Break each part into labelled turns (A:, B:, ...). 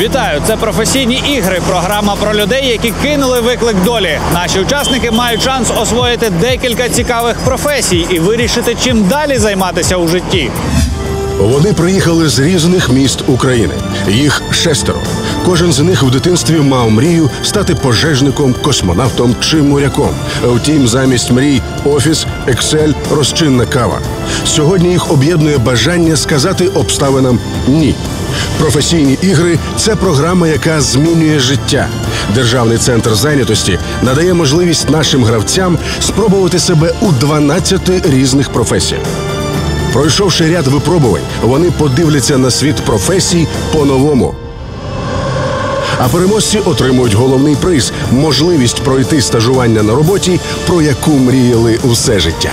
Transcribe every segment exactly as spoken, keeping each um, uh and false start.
A: Вітаю! Це «Професійні ігри» – програма про людей, які кинули виклик долі. Наші учасники мають шанс освоїти декілька цікавих професій і вирішити, чим далі займатися у житті.
B: Вони приїхали з різних міст України. Їх шестеро. Кожен з них в дитинстві мав мрію стати пожежником, космонавтом чи моряком. Втім, замість мрій – офіс, ексель, розчинна кава. Сьогодні їх об'єднує бажання сказати обставинам «ні». «Професійні ігри» – це програма, яка змінює життя. Державний центр зайнятості надає можливість нашим гравцям спробувати себе у дванадцяти різних професіях. Пройшовши ряд випробувань, вони подивляться на світ професій по-новому. А переможці отримують головний приз – можливість пройти стажування на роботі, про яку мріяли усе життя.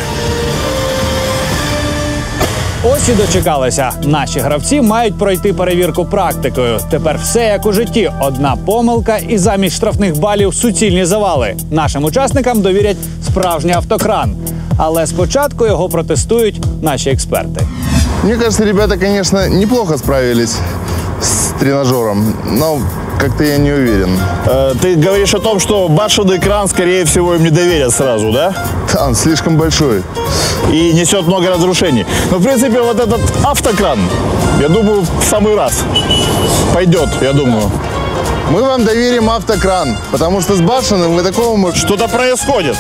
A: Ось і дочекалися. Наші гравці мають пройти перевірку практикою. Тепер все як у житті. Одна помилка і замість штрафних балів суцільні завали. Нашим учасникам довірять справжній автокран. Але спочатку його протестують наші експерти.
C: Мне кажется, ребята, конечно, неплохо справились с тренажером, но как-то я не уверен.
D: Э, ты говоришь о том, что башенный кран, скорее всего, им не доверят сразу, да?
C: Да, он слишком большой.
D: И несет много разрушений. Но, в принципе, вот этот автокран, я думаю, в самый раз пойдет, я думаю.
C: Мы вам доверим автокран, потому что с башенным вы такого можете...
D: Что-то происходит.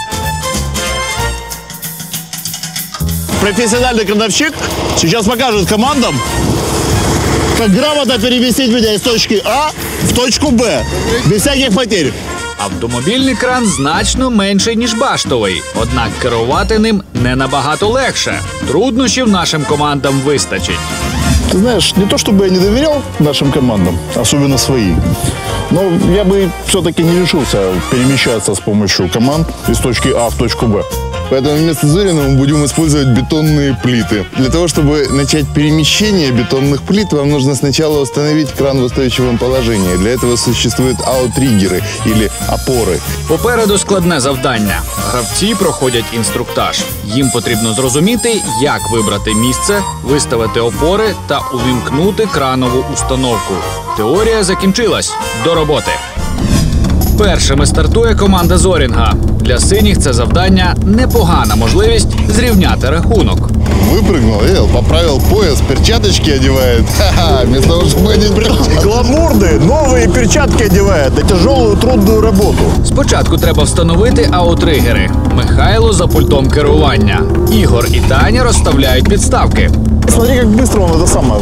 D: Профессиональный крановщик сейчас покажет командам, как грамотно переместить меня из точки А в точку Б, без всяких потерь.
A: Автомобільний кран значно менший, ніж баштовий. Однак керувати ним не набагато легше. Труднощів нашим командам вистачить.
D: Ты знаешь, не то чтобы я не доверял нашим командам, особенно своим, но я бы все-таки не решился перемещаться с помощью команд из точки А в точку Б.
C: Поэтому вместо Зорина мы будем использовать бетонные плиты. Для того, чтобы начать перемещение бетонных плит, вам нужно сначала установить кран в устойчивом положении. Для этого существуют аутриггеры или опоры.
A: Попереду складне завдання. Гравці проходять інструктаж. Їм потрібно зрозуміти, як вибрати місце, виставити опори та увімкнути кранову установку. Теорія закінчилась. До роботи! Першими стартує команда Зорінга. Для синіх це завдання – непогана можливість зрівняти рахунок.
C: Выпрыгнул, видел, поправил пояс, перчаточки одевает. Ха-ха, вместо того, чтобы одеть перчатки.
D: Гламурные новые перчатки одевает на тяжелую трудную работу.
A: Спочатку треба встановити аутригери. Михайло за пультом керування. Ігор і Таня розставляють підставки.
D: Смотри, как быстро он это самое.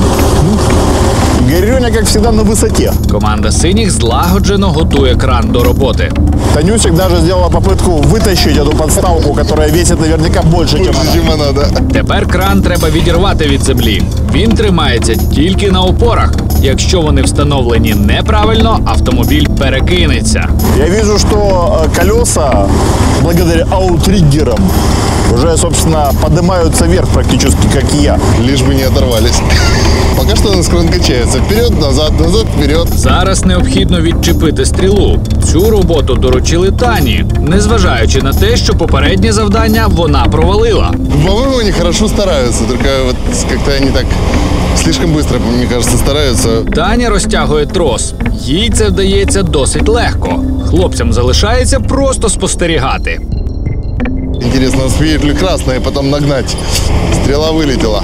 D: Горюня, как всегда, на высоте.
A: Команда синіх злагоджено готує кран до роботи.
D: Танюсик даже сделала попытку вытащить эту подставку, которая весит наверняка больше, чем она.
C: Чем она, да.
A: Тепер кран треба відірвати від землі. Він тримається тільки на опорах. Якщо вони встановлені неправильно, автомобіль перекинеться.
D: Я вижу, что колеса, благодаря аутриггерам, уже, собственно, поднимаются вверх практически, как и я.
C: Лишь бы не оторвались. Пока что у нас кран качается. Вперед, назад, назад, вперед.
A: Зараз необхідно відчепити стрілу. Цю роботу доручили Тані, незважаючи на те, що попереднє завдання вона провалила.
C: По-моему, они хорошо стараются, только вот как-то они так слишком быстро, мне кажется, стараются.
A: Таня розтягує трос. Їй це вдається досить легко. Хлопцям залишається просто спостерігати.
C: Интересно, успеет ли красная потом нагнать? Стрела вылетела.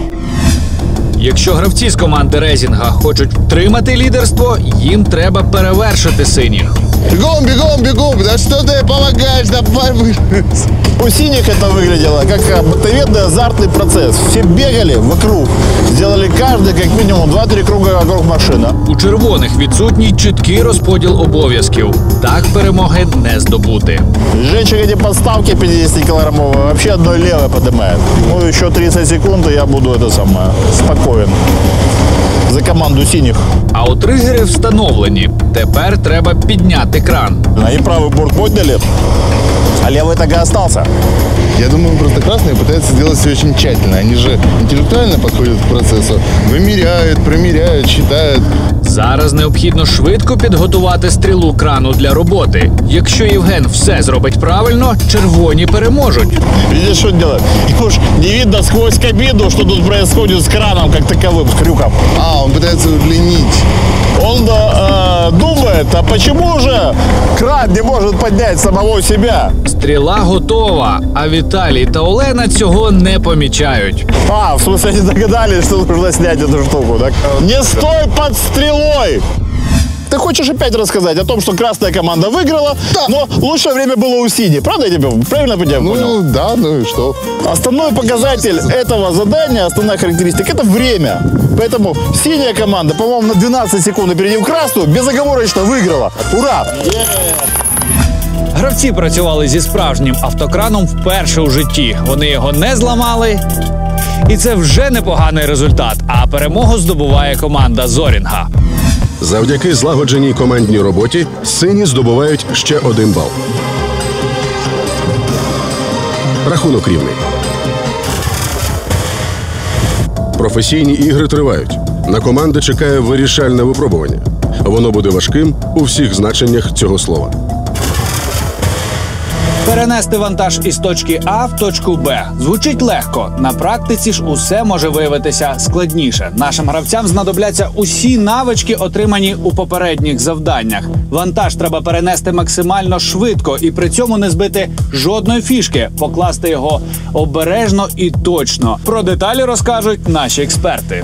A: Якщо гравці з команди Резінга хочуть втримати лідерство, їм треба перевершити синіх.
C: Бегом, бегом, бегом! Да что ты помогаешь? Давай вы...
D: У синих это выглядело как мотоведный азартный процесс. Все бегали вокруг, сделали каждый как минимум два-три круга вокруг машины.
A: У червоних відсутній чіткий розподіл обов'язків. Так перемоги не здобути.
D: Женщина эти подставки пятидесятикилограммовые вообще одной левой поднимает. Ну, еще тридцать секунд, и я буду это самое, спокоен. За команду синих.
A: Аутригери встановлені. Тепер треба підняти кран.
D: Они правый борт подняли, а левый так и остался.
C: Я думаю, просто красные пытаются сделать все очень тщательно. Они же интеллектуально подходят к процессу. Вымеряют, промеряют, считают.
A: Зараз необхідно швидко підготувати стрілу крану для роботи. Якщо Євген все зробить правильно, червоні переможуть.
D: Видишь, что делает? Ему ж не видно сквозь кабину, что тут происходит с краном как таковым, с крюком.
C: А, он пытается удлинить.
D: Он он э, думает, а почему же кран не может поднять самого себя?
A: Стріла готова, а Віталій та Олена цього не помічають.
D: А, в смысле, они догадались, что нужно снять эту штуку, так? Не стой под стрелой! Ты хочешь опять рассказать о том, что красная команда выиграла, да. Но лучшее время было у синей. Правда я тебя правильно понял?
C: Ну да, ну и что?
D: Основной показатель этого задания, основная характеристика, это время. Поэтому синяя команда, по-моему, на двенадцать секунд опередив красную, безоговорочно выиграла. Ура!
A: Гравці працювали зі справжнім автокраном вперше у житті. Вони його не зламали. І це вже непоганий результат. А перемогу здобуває команда Зорінга.
B: Завдяки злагодженій командній роботі сині здобувають ще один бал. Рахунок рівний. Професійні ігри тривають. На команди чекає вирішальне випробування. Воно буде важким у всіх значеннях цього слова.
A: Перенести вантаж із точки А в точку Б звучить легко. На практиці ж усе може виявитися складніше. Нашим гравцям знадобляться усі навички, отримані у попередніх завданнях. Вантаж треба перенести максимально швидко і при цьому не збити жодної фішки, покласти його обережно і точно. Про деталі розкажуть наші експерти.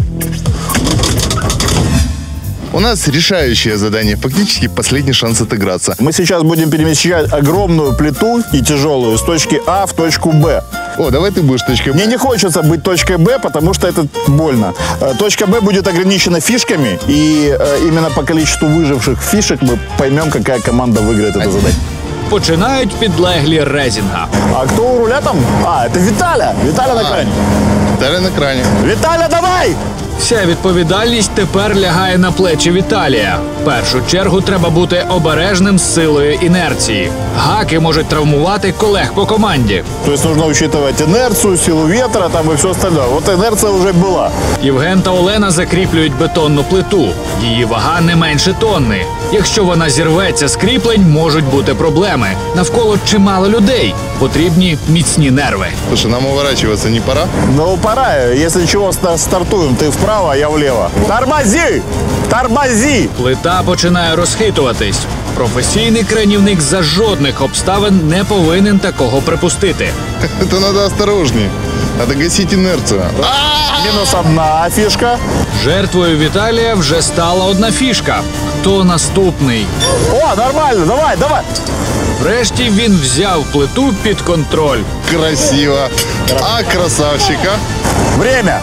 C: У нас решающее задание, фактически последний шанс отыграться.
D: Мы сейчас будем перемещать огромную плиту и тяжелую с точки А в точку Б.
C: О, давай ты будешь точкой Б.
D: Мне не хочется быть точкой Б, потому что это больно. Э, Точка Б будет ограничена фишками, и э, именно по количеству выживших фишек мы поймем, какая команда выиграет это задание.
A: Починають підлеглі Резінга.
D: А кто у руля там? А, это Виталя. Виталя на кране.
C: Виталя на кране.
D: Виталя, давай!
A: Вся відповідальність тепер лягає на плечі Віталія. В першу чергу треба бути обережним з силою інерції. Гаки можуть травмувати колег по команді.
D: То есть нужно учитывать инерцию, силу ветра там и все остальное. Вот инерция уже была.
A: Євген та Олена закріплюють бетонну плиту. Її вага не менше тонни. Якщо вона зірветься з кріплень, можуть бути проблеми. Навколо чимало людей. Потрібні міцні нерви.
C: Слушай, нам уворачиваться не пора?
D: Ну, пора. Если чего, ста- стартуем. Ты вправо, а я влево. Тормози! Тормози!
A: Плита починає розхитуватись. Професійний кранівник за жодних обставин не повинен такого припустити.
C: Это надо осторожнее. Надо гасить инерцию.
D: Минус одна фишка.
A: Жертвою Віталія вже стала одна фішка. Хто наступний?
D: О, нормально, давай, давай.
A: Врешті він взяв плиту під контроль.
C: Красиво. А красавчика.
D: Время.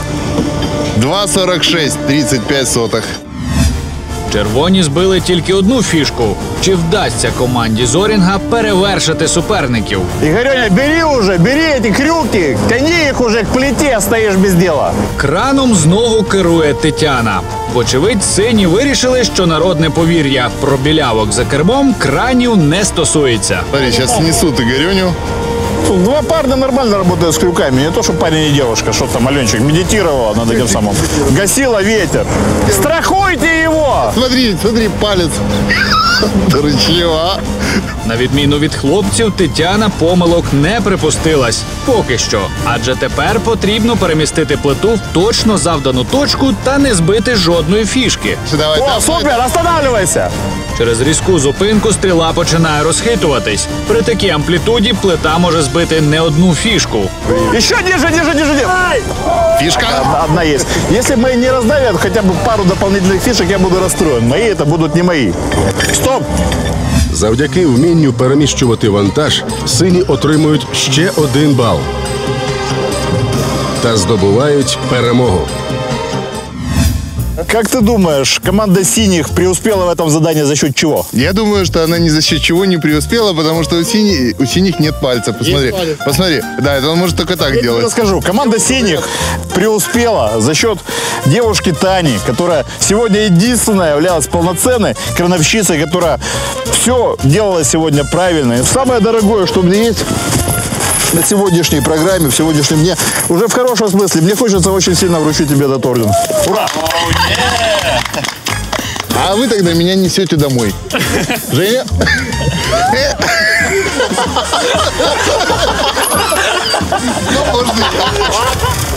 C: два сорок шесть, тридцать пять сотых.
A: Червоні збили тільки одну фішку. Чи вдасться команді Зорінга перевершити суперників?
D: Игорёня, бери уже, бери эти крюки, тяни их уже к плите, стоишь без дела.
A: Краном знову керує Тетяна. Вочевидь, сині вирішили, що народне повір'я про білявок за кермом кранів не стосується.
C: Смотри, сейчас снесут Игорёню.
D: Тут два парня нормально работают с крюками, не то, что парень и девушка, что там Аленчик медитировала над этим самым. Гасила ветер. Страхуйте его!
C: Смотри, смотри, палец. Дурачьего.
A: На відміну від хлопців, Тетяна помилок не припустилась. Поки що. Адже тепер потрібно перемістити плиту в точно завдану точку та не збити жодної фішки.
C: Давай,
D: О,
C: давай.
D: супер, останавливайся!
A: Через різку зупинку стріла починає розхитуватись. При такій амплітуді плита може збити не одну фішку.
D: Еще ниже, ниже, ниже, ниже.
C: Фишка.
D: Одна, одна есть. Если мои не раздавят хотя бы пару дополнительных фишек, я буду расстроен. Мои это будут не мои. Стоп!
B: Завдяки вмінню переміщувати вантаж, сині отримують ще один бал. Та здобувають перемогу.
D: Как ты думаешь, команда синих преуспела в этом задании за счет чего?
C: Я думаю, что она ни за счет чего не преуспела, потому что у, сини- у синих нет пальца. Посмотри,
D: палец.
C: посмотри. Да, это он может только так
D: Я тебе
C: делать.
D: расскажу. Команда синих преуспела за счет девушки Тани, которая сегодня единственная являлась полноценной крановщицей, которая все делала сегодня правильно. И самое дорогое, что у меня есть на сегодняшней программе, в сегодняшнем дне, уже в хорошем смысле, мне хочется очень сильно вручить тебе этот орден. Ура!
C: А вы тогда меня несете домой. Женя? Ну, может быть.